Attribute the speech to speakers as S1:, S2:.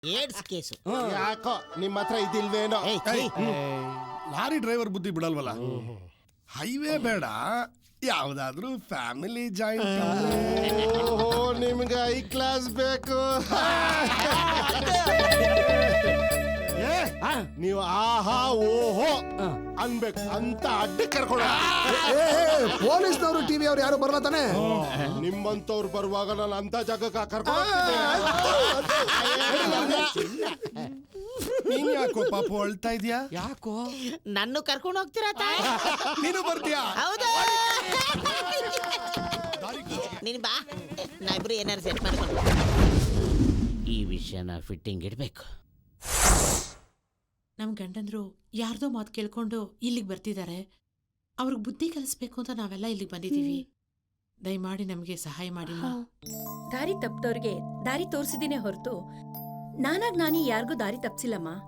S1: AIDS case.
S2: ಯಾಕೋ ನಿಮ್ಮ ಹತ್ರ ಇದಿಲ್ವೇನೋ.
S3: ಲಾರಿ ಡ್ರೈವರ್ ಬುದ್ಧಿ ಬಿಡಲ್ವಲ್ಲ. ಹೈವೇ ಬೇಡ, ಯಾವ್ದಾದ್ರು ಫ್ಯಾಮಿಲಿ ಜಾಯಿಂಟ್.
S2: ಓಹೋ, ನಿಮ್ಗೆ ಐ ಕ್ಲಾಸ್ ಬೇಕು. ನೀವು ಆಹಾ ಓಹೋ ಅನ್ಬೇಕು ಅಂತ ಅಡ್ಡ ಕರ್ಕೊಳ.
S4: ಪೊಲೀಸ್ನವರು ಟಿವಿ ಅವ್ರು ಯಾರು ಬರಲ್ಲ ತಾನೆ.
S2: ನಿಮ್ಮಂತವ್ರು ಬರುವಾಗ ನಾನು ಅಂತ ಜಾಗಕ್ಕೆ ಕರ್ಕೊಂಡು
S3: ನೀನ್ ಯಾಕೋ ಪಾಪು ಅಳ್ತಾ ಇದ್ಯಾ?
S4: ಯಾಕೋ
S1: ನನ್ನ ಕರ್ಕೊಂಡು ಹೋಗ್ತೀರಾ ತಾಯಿ?
S3: ನೀನು ಬರ್ತೀಯಾ?
S1: ಹೌದಾ? ನೀನ್ ಬಾ, ನಾವಿಬ್ರು ಏನಾರು ಸೆಟ್ ಮಾಡ್ಕೊಂಡು ಈ ವಿಷಯನ ಫಿಟ್ಟಿಂಗ್ ಇಡ್ಬೇಕು.
S5: ನಮ್ ಗಂಡಂದ್ರು ಯಾರ್ದೋ ಮಾತು ಕೇಳ್ಕೊಂಡು ಇಲ್ಲಿಗೆ ಬರ್ತಿದ್ದಾರೆ. ಅವ್ರಿಗೆ ಬುದ್ಧಿ ಕಲಿಸ್ಬೇಕು ಅಂತ ನಾವೆಲ್ಲ ಇಲ್ಲಿಗೆ ಬಂದಿದ್ದೀವಿ. ದಯಮಾಡಿ ನಮಗೆ ಸಹಾಯ ಮಾಡಿ.
S6: ದಾರಿ ತಪ್ಪದವ್ರಿಗೆ ದಾರಿ ತೋರಿಸಿದೀನಿ ಹೊರತು ನಾನಾಗ್ ನಾನಿ ಯಾರಿಗೂ ದಾರಿ ತಪ್ಸಿಲ್ಲಮ್ಮ.